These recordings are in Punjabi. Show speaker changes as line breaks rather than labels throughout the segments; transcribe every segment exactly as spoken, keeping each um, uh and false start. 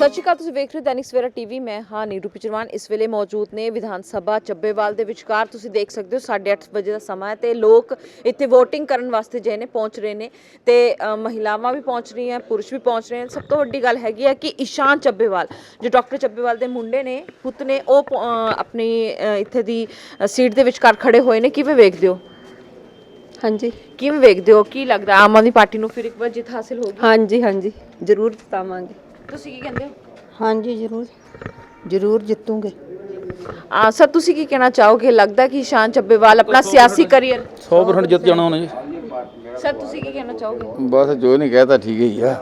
ਸਤਿ ਸ਼੍ਰੀ ਅਕਾਲ, ਤੁਸੀਂ ਵੇਖ ਰਹੇ ਹੋ ਦੈਨਿਕ ਸਵੇਰਾ ਟੀਵੀ। ਮੈਂ ਹਾਂ ਨੀਰੂ ਪਿਚਰਵਾਨ। ਇਸ ਵੇਲੇ ਮੌਜੂਦ ਨੇ ਵਿਧਾਨ ਸਭਾ ਚੱਬੇਵਾਲ ਦੇ ਵਿਚਕਾਰ। ਤੁਸੀਂ ਦੇਖ ਸਕਦੇ ਹੋ ਸਾਢੇ ਅੱਠ ਵਜੇ ਦਾ ਸਮਾਂ ਹੈ ਤੇ ਲੋਕ ਇੱਥੇ VOTING ਕਰਨ ਵਾਸਤੇ ਜੇ ਨੇ ਪਹੁੰਚ ਰਹੇ ਨੇ ਤੇ ਮਹਿਲਾਵਾਂ ਵੀ ਪਹੁੰਚ ਰਹੀਆਂ, ਪੁਰਸ਼ ਵੀ ਪਹੁੰਚ ਰਹੇ ਨੇ। ਸਭ ਤੋਂ ਵੱਡੀ ਗੱਲ ਹੈਗੀ ਹੈ ਕਿ ਇਸ਼ਾਨ ਚੱਬੇਵਾਲ ਜੋ ਡਾਕਟਰ ਚੱਬੇਵਾਲ ਦੇ ਮੁੰਡੇ ਨੇ, ਪੁੱਤ ਨੇ, ਉਹ ਆਪਣੀ ਇੱਥੇ ਦੀ ਸੀਟ ਦੇ ਵਿਚਕਾਰ ਖੜੇ ਹੋਏ ਨੇ। ਕਿਵੇਂ ਵੇਖਦੇ ਹੋ?
ਹਾਂਜੀ,
ਕਿਵੇਂ ਵੇਖਦੇ ਹੋ? ਕੀ ਲੱਗਦਾ ਆਮ ਆਦਮੀ ਪਾਰਟੀ ਨੂੰ ਫਿਰ ਇੱਕ ਵਾਰ ਜਿੱਤ ਹਾਸਿਲ ਹੋਗੀ?
ਹਾਂਜੀ ਹਾਂਜੀ ਜ਼ਰੂਰ ਜਿਤਾਵਾਂਗੇ।
ਤੁਸੀਂ ਕੀ ਕਹਿੰਦੇ ਹੋ?
ਹਾਂਜੀ ਜ਼ਰੂਰ ਜ਼ਰੂਰ ਜਿੱਤੂਗੇ।
ਆ ਸਰ, ਤੁਸੀਂ ਕੀ ਕਹਿਣਾ ਚਾਹੋਗੇ? ਲੱਗਦਾ ਕਿ ਇਸ਼ਾਨ ਚੱਬੇਵਾਲ ਆਪਣਾ ਸਿਆਸੀ ਕਰੀਅਰ
ਸੌ ਪਰਸੈਂਟ ਜਿੱਤ ਜਾਣਾ ਉਹਨੇ ਜੀ।
ਸਰ, ਤੁਸੀਂ ਕੀ ਕਹਿਣਾ ਚਾਹੋਗੇ?
ਬਸ ਜੋ ਨਹੀਂ ਕਹਿਤਾ ਠੀਕ ਹੀ ਆ।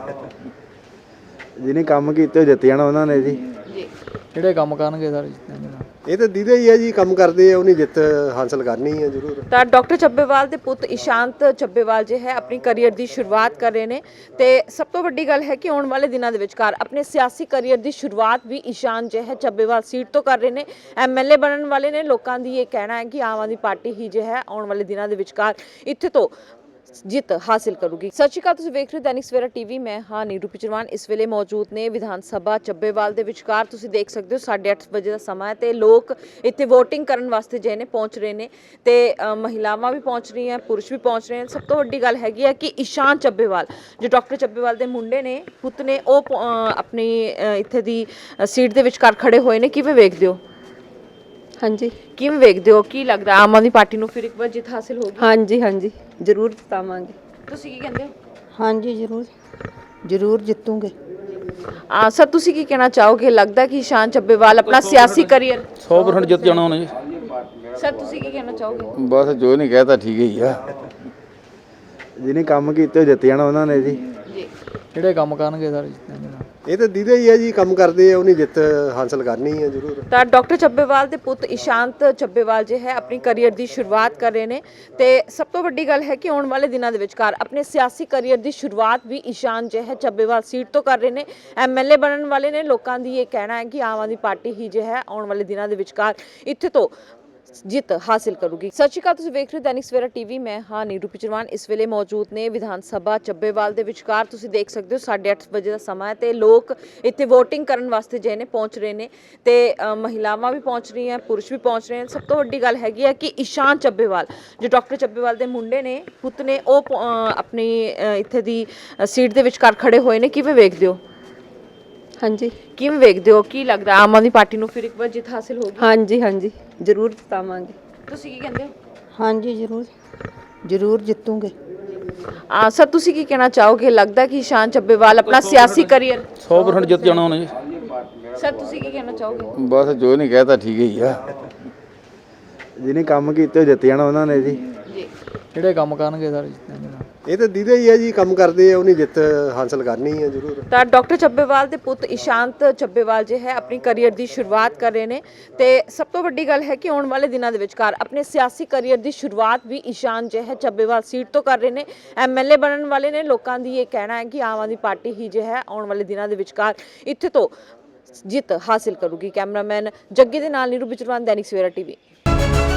ਜਿਹਨੇ ਕੰਮ ਕੀਤੇ ਉਹ ਜਿੱਤ ਜਾਣਾ ਉਹਨਾਂ ਨੇ ਜੀ।
ਜੀ,
ਜਿਹੜੇ ਕੰਮ ਕਰਨਗੇ ਸਾਰੇ ਜਿੱਤਣਗੇ।
ਇਹ ਤਾਂ ਦੀਦੇ ਹੀ ਆ ਜੀ, ਕੰਮ ਕਰਦੇ ਆ, ਉਹਨੇ ਜਿੱਤ ਹਾਸਲ ਕਰਨੀ ਹੈ ਜ਼ਰੂਰ।
ਤਾਂ ਡਾਕਟਰ ਚੱਬੇਵਾਲ ਦੇ ਪੁੱਤ ਇਸ਼ਾਂਤ ਚੱਬੇਵਾਲ ਜੇ ਹੈ ਆਪਣੀ ਕਰੀਅਰ ਦੀ ਸ਼ੁਰੂਆਤ ਕਰ ਰਹੇ ਨੇ ਤੇ ਸਭ ਤੋਂ ਵੱਡੀ ਗੱਲ ਹੈ ਕਿ ਆਉਣ ਵਾਲੇ ਦਿਨਾਂ ਦੇ ਵਿਚਕਾਰ ਆਪਣੇ ਸਿਆਸੀ ਕਰੀਅਰ ਦੀ ਸ਼ੁਰੂਆਤ ਵੀ ਇਸ਼ਾਨ ਜੇ ਹੈ ਚੱਬੇਵਾਲ ਸੀਟ ਤੋਂ ਕਰ ਰਹੇ ਨੇ। ਐਮਐਲਏ ਬਣਨ ਵਾਲੇ ਨੇ। ਲੋਕਾਂ ਦੀ ਇਹ ਕਹਿਣਾ ਹੈ ਕਿ ਆਮ ਆਦਮੀ ਪਾਰਟੀ ਹੀ ਜੇ ਹੈ ਆਉਣ ਵਾਲੇ ਦਿਨਾਂ ਦੇ ਵਿਚਕਾਰ ਇੱਥੇ ਤੋਂ ਜਿੱਤ ਹਾਸਿਲ ਕਰੂਗੀ। ਸਤਿ ਸ਼੍ਰੀ ਅਕਾਲ, ਤੁਸੀਂ ਵੇਖ ਰਹੇ ਹੋ ਦੈਨਿਕ ਸਵੇਰਾ ਟੀਵੀ। ਮੈਂ ਹਾਂ ਨੀਰੂ ਪਿਚਰਵਾਨ। ਇਸ ਵੇਲੇ ਮੌਜੂਦ ਨੇ ਵਿਧਾਨ ਸਭਾ ਚੱਬੇਵਾਲ ਦੇ ਵਿਚਕਾਰ। ਤੁਸੀਂ ਦੇਖ ਸਕਦੇ ਹੋ ਸਾਢੇ ਅੱਠ ਵਜੇ ਦਾ ਸਮਾਂ ਹੈ ਤੇ ਲੋਕ ਇੱਥੇ VOTING ਕਰਨ ਵਾਸਤੇ ਜੇ ਨੇ ਪਹੁੰਚ ਰਹੇ ਨੇ ਤੇ ਮਹਿਲਾਵਾਂ ਵੀ ਪਹੁੰਚ ਰਹੀਆਂ, ਪੁਰਸ਼ ਵੀ ਪਹੁੰਚ ਰਹੇ ਨੇ। ਸਭ ਤੋਂ ਵੱਡੀ ਗੱਲ ਹੈਗੀ ਹੈ ਕਿ ਇਸ਼ਾਨ ਚੱਬੇਵਾਲ ਜੋ ਡਾਕਟਰ ਚੱਬੇਵਾਲ ਦੇ ਮੁੰਡੇ ਨੇ, ਪੁੱਤ ਨੇ, ਉਹ ਆਪਣੀ ਇੱਥੇ ਦੀ ਸੀਟ ਦੇ ਵਿਚਕਾਰ ਖੜੇ ਹੋਏ ਨੇ। ਕਿਵੇਂ ਵੇਖਦੇ ਹੋ?
ਹਾਂਜੀ,
ਕਿਵੇਂ ਵੇਖਦੇ ਹੋ? ਕੀ ਲੱਗਦਾ ਆਮ ਆਦਮੀ ਪਾਰਟੀ ਨੂੰ ਫਿਰ ਇੱਕ ਵਾਰ ਜਿੱਤ ਹਾਸਿਲ ਹੋਗੀ?
ਹਾਂਜੀ ਹਾਂਜੀ ਜ਼ਰੂਰ ਜਿਤਾਵਾਂਗੇ।
ਤੁਸੀਂ ਕੀ ਕਹਿੰਦੇ ਹੋ?
ਹਾਂਜੀ ਜ਼ਰੂਰ ਜ਼ਰੂਰ ਜਿੱਤੂਗੇ।
ਆ ਸਰ, ਤੁਸੀਂ ਕੀ ਕਹਿਣਾ ਚਾਹੋਗੇ? ਲੱਗਦਾ ਕਿ ਇਸ਼ਾਨ ਚੱਬੇਵਾਲ ਆਪਣਾ ਸਿਆਸੀ ਕਰੀਅਰ
ਸੌ ਪਰਸੈਂਟ ਜਿੱਤ ਜਾਣਾ ਉਹਨੇ ਜੀ।
ਸਰ, ਤੁਸੀਂ ਕੀ ਕਹਿਣਾ ਚਾਹੋਗੇ?
ਬਸ ਜੋ ਨਹੀਂ ਕਹਿਤਾ ਠੀਕ ਹੀ ਆ।
ਜਿਹਨੇ ਕੰਮ ਕੀਤੇ ਉਹ ਜਿੱਤ ਜਾਣਾ ਉਹਨਾਂ ਨੇ ਜੀ।
ਜੀ,
ਜਿਹੜੇ ਕੰਮ ਕਰਨਗੇ ਸਾਰੇ ਜਿੱਤਣਗੇ।
ਇਹ ਤਾਂ ਦੀਦੇ ਹੀ ਆ ਜੀ, ਕੰਮ ਕਰਦੇ ਆ, ਉਹਨੇ ਜਿੱਤ ਹਾਸਲ ਕਰਨੀ ਹੈ ਜ਼ਰੂਰ।
ਤਾਂ ਡਾਕਟਰ ਚੱਬੇਵਾਲ ਦੇ ਪੁੱਤ ਇਸ਼ਾਂਤ ਚੱਬੇਵਾਲ ਜੇ ਹੈ ਆਪਣੀ ਕਰੀਅਰ ਦੀ ਸ਼ੁਰੂਆਤ ਕਰ ਰਹੇ ਨੇ ਤੇ ਸਭ ਤੋਂ ਵੱਡੀ ਗੱਲ ਹੈ ਕਿ ਆਉਣ ਵਾਲੇ ਦਿਨਾਂ ਦੇ ਵਿਚਕਾਰ ਆਪਣੇ ਸਿਆਸੀ ਕਰੀਅਰ ਦੀ ਸ਼ੁਰੂਆਤ ਵੀ ਇਸ਼ਾਨ ਜੇ ਹੈ ਚੱਬੇਵਾਲ ਸੀਟ ਤੋਂ ਕਰ ਰਹੇ ਨੇ। ਐਮਐਲਏ ਬਣਨ ਵਾਲੇ ਨੇ। ਲੋਕਾਂ ਦੀ ਇਹ ਕਹਿਣਾ ਹੈ ਕਿ ਆਮ ਆਦਮੀ ਪਾਰਟੀ ਹੀ ਜੇ ਹੈ ਆਉਣ ਵਾਲੇ ਦਿਨਾਂ ਦੇ ਵਿਚਕਾਰ ਇੱਥੇ ਤੋਂ ਜਿੱਤ ਹਾਸਿਲ ਕਰੂਗੀ। ਸਤਿ ਸ਼੍ਰੀ ਅਕਾਲ, ਤੁਸੀਂ ਵੇਖ ਰਹੇ ਹੋ ਦੈਨਿਕ ਸਵੇਰਾ ਟੀਵੀ। ਮੈਂ ਹਾਂ ਨੀਰੂ ਪਿਚਰਵਾਨ। ਇਸ ਵੇਲੇ ਮੌਜੂਦ ਨੇ ਵਿਧਾਨ ਸਭਾ ਚੱਬੇਵਾਲ ਦੇ ਵਿਚਕਾਰ। ਤੁਸੀਂ ਦੇਖ ਸਕਦੇ ਹੋ ਸਾਢੇ ਅੱਠ ਵਜੇ ਦਾ ਸਮਾਂ ਹੈ ਤੇ ਲੋਕ ਇੱਥੇ VOTING ਕਰਨ ਵਾਸਤੇ ਜੇ ਨੇ ਪਹੁੰਚ ਰਹੇ ਨੇ ਤੇ ਮਹਿਲਾਵਾਂ ਵੀ ਪਹੁੰਚ ਰਹੀਆਂ, ਪੁਰਸ਼ ਵੀ ਪਹੁੰਚ ਰਹੇ ਨੇ। ਸਭ ਤੋਂ ਵੱਡੀ ਗੱਲ ਹੈਗੀ ਹੈ ਕਿ ਇਸ਼ਾਨ ਚੱਬੇਵਾਲ ਜੋ ਡਾਕਟਰ ਚੱਬੇਵਾਲ ਦੇ ਮੁੰਡੇ ਨੇ, ਪੁੱਤ ਨੇ, ਉਹ ਆਪਣੀ ਇੱਥੇ ਦੀ ਸੀਟ ਦੇ ਵਿਚਕਾਰ ਖੜੇ ਹੋਏ ਨੇ। ਕਿਵੇਂ ਵੇਖਦੇ ਹੋ?
ਹਾਂਜੀ,
ਕਿਵੇਂ ਵੇਖਦੇ ਹੋ? ਕੀ ਲੱਗਦਾ ਆਮ ਆਦਮੀ ਪਾਰਟੀ ਨੂੰ ਫਿਰ ਇੱਕ ਵਾਰ ਜਿੱਤ ਹਾਸਿਲ ਹੋਗੀ?
ਹਾਂਜੀ ਹਾਂਜੀ ਜ਼ਰੂਰ ਜਿਤਾਵਾਂਗੇ।
ਤੁਸੀਂ ਕੀ ਕਹਿੰਦੇ ਹੋ?
ਹਾਂਜੀ ਜ਼ਰੂਰ ਜ਼ਰੂਰ ਜਿੱਤੂਗੇ।
ਆ ਸਰ, ਤੁਸੀਂ ਕੀ ਕਹਿਣਾ ਚਾਹੋਗੇ? ਲੱਗਦਾ ਕਿ ਇਸ਼ਾਨ ਚੱਬੇਵਾਲ ਆਪਣਾ ਸਿਆਸੀ ਕਰੀਅਰ
ਸੌ ਪਰਸੈਂਟ ਜਿੱਤ ਜਾਣਾ ਉਹਨੇ ਜੀ।
ਸਰ, ਤੁਸੀਂ ਕੀ ਕਹਿਣਾ ਚਾਹੋਗੇ?
ਬਸ ਜੋ ਨਹੀਂ ਕਹਿਤਾ ਠੀਕ ਹੀ ਆ।
ਜਿਹਨੇ ਕੰਮ ਕੀਤੇ ਉਹ ਜਿੱਤ ਜਾਣਾ ਉਹਨਾਂ ਨੇ ਜੀ।
ਜੀ,
ਜਿਹੜੇ ਕੰਮ ਕਰਨਗੇ ਸਾਰੇ ਜਿੱਤਣਗੇ।
ਇਹ ਤਾਂ ਦੀਦੇ ਹੀ ਆ ਜੀ, ਕੰਮ ਕਰਦੇ ਆ, ਉਹਨੇ ਜਿੱਤ ਹਾਸਲ ਕਰਨੀ ਹੈ ਜ਼ਰੂਰ।
ਤਾਂ ਡਾਕਟਰ ਚੱਬੇਵਾਲ ਦੇ ਪੁੱਤ ਇਸ਼ਾਂਤ ਚੱਬੇਵਾਲ ਜੇ ਹੈ ਆਪਣੀ ਕਰੀਅਰ ਦੀ ਸ਼ੁਰੂਆਤ ਕਰ ਰਹੇ ਨੇ ਤੇ ਸਭ ਤੋਂ ਵੱਡੀ ਗੱਲ ਹੈ ਕਿ ਆਉਣ ਵਾਲੇ ਦਿਨਾਂ ਦੇ ਵਿਚਕਾਰ ਆਪਣੇ ਸਿਆਸੀ ਕਰੀਅਰ ਦੀ ਸ਼ੁਰੂਆਤ ਵੀ ਇਸ਼ਾਨ ਜੇ ਹੈ ਚੱਬੇਵਾਲ ਸੀਟ ਤੋਂ ਕਰ ਰਹੇ ਨੇ। ਐਮਐਲਏ ਬਣਨ ਵਾਲੇ ਨੇ। ਲੋਕਾਂ ਦੀ ਇਹ ਕਹਿਣਾ ਹੈ ਕਿ ਆਮ ਆਦਮੀ ਪਾਰਟੀ ਹੀ ਜੇ ਹੈ ਆਉਣ ਵਾਲੇ ਦਿਨਾਂ ਦੇ ਵਿਚਕਾਰ ਇੱਥੇ ਤੋਂ ਜਿੱਤ ਹਾਸਿਲ ਕਰੂਗੀ। ਕੈਮਰਾਮੈਨ ਜੱਗੀ ਦੇ ਨਾਲ ਨੀਰੂ ਪਿਚਰਵਾਨ, ਦੈਨਿਕ ਸਵੇਰਾ ਟੀਵੀ।